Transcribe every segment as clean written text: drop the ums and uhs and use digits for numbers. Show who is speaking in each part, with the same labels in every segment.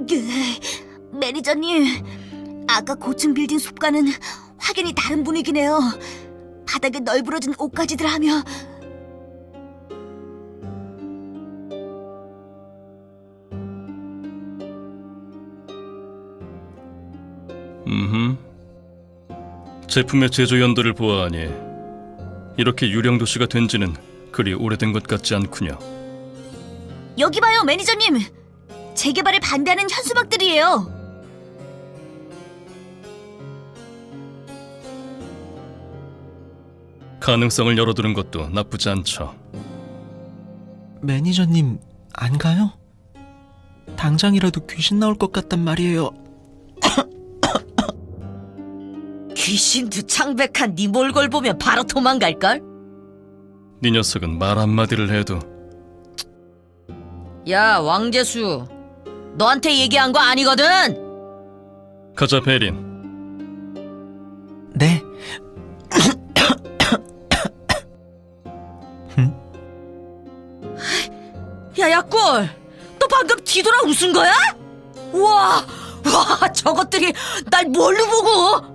Speaker 1: 매니저님, 아까 고층 빌딩 숲과는 확연히 다른 분위기네요. 바닥에 널브러진 옷가지들 하며.
Speaker 2: 제품의 제조 연도를 보아하니 이렇게 유령 도시가 된 지는 그리 오래된 것 같지 않군요.
Speaker 1: 여기 봐요, 매니저님. 재개발에 반대하는 현수막들이에요.
Speaker 2: 가능성을 열어두는 것도 나쁘지 않죠.
Speaker 3: 매니저님, 안 가요? 당장이라도 귀신 나올 것 같단 말이에요.
Speaker 4: 귀신도 창백한 네 몰골 보면 바로 도망갈걸?
Speaker 2: 네 녀석은 말 한마디를 해도.
Speaker 4: 야, 왕재수, 너한테 얘기한 거 아니거든?
Speaker 2: 가자, 베린.
Speaker 3: 네.
Speaker 4: 야, 야골, 너 방금 뒤돌아 웃은 거야? 와, 저것들이 날 뭘로 보고?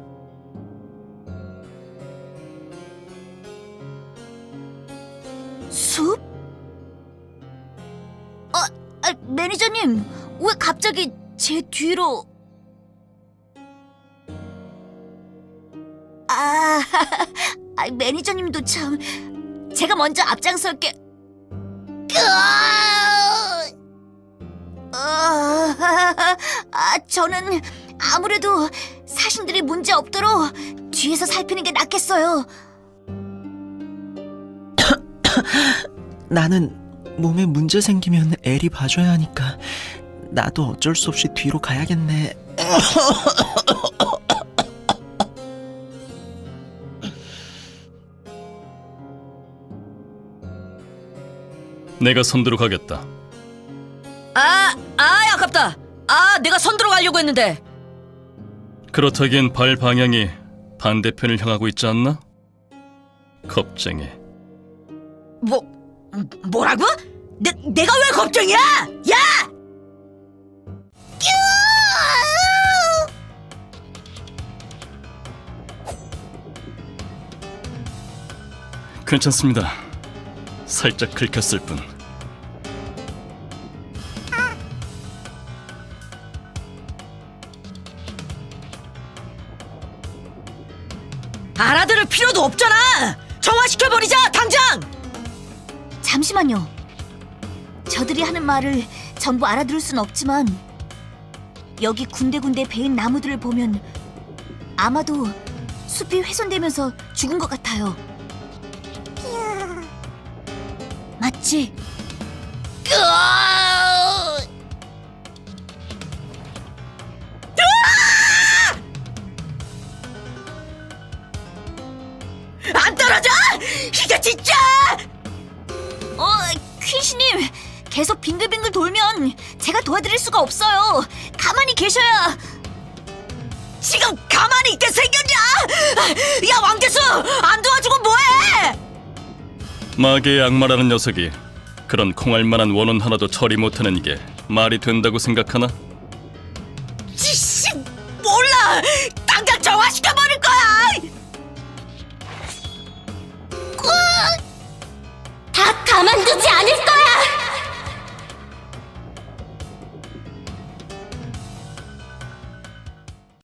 Speaker 1: 숲? 매니저님, 왜 갑자기 제 뒤로... 매니저님도 참... 제가 먼저 앞장설게... 저는 아무래도 사신들이 문제 없도록 뒤에서 살피는 게 낫겠어요.
Speaker 3: 나는 몸에 문제 생기면 애리 봐줘야 하니까 나도 어쩔 수 없이 뒤로 가야겠네.
Speaker 2: 내가 선두로 가겠다.
Speaker 4: 아깝다. 내가 선두로 가려고 했는데.
Speaker 2: 그렇다기엔 발 방향이 반대편을 향하고 있지 않나? 겁쟁이.
Speaker 4: 뭐라고? 내가 왜 겁쟁이야? 야!
Speaker 2: 괜찮습니다. 살짝 긁혔을 뿐.
Speaker 4: 알아들을 필요도 없잖아. 정화시켜버리자, 당장!
Speaker 1: 잠시만요. 저들이 하는 말을 전부 알아들을 순 없지만 여기 군데군데 베인 나무들을 보면 아마도 숲이 훼손되면서 죽은 것 같아요. 맞지?
Speaker 4: 안 떨어져! 이게 진짜!
Speaker 1: 퀸씨님, 계속 빙글빙글 돌면 제가 도와드릴 수가 없어요. 가만히 계셔야.
Speaker 4: 지금 가만히 있게 생겼냐? 야, 왕재수! 안 도와주고 뭐해!
Speaker 2: 마계의 악마라는 녀석이 그런 콩알만한 원혼 하나도 처리 못하는 이게 말이 된다고 생각하나?
Speaker 4: 지씨, 몰라! 당장 정화시켜버릴 거야!
Speaker 1: 다 가만두지 않을 거야!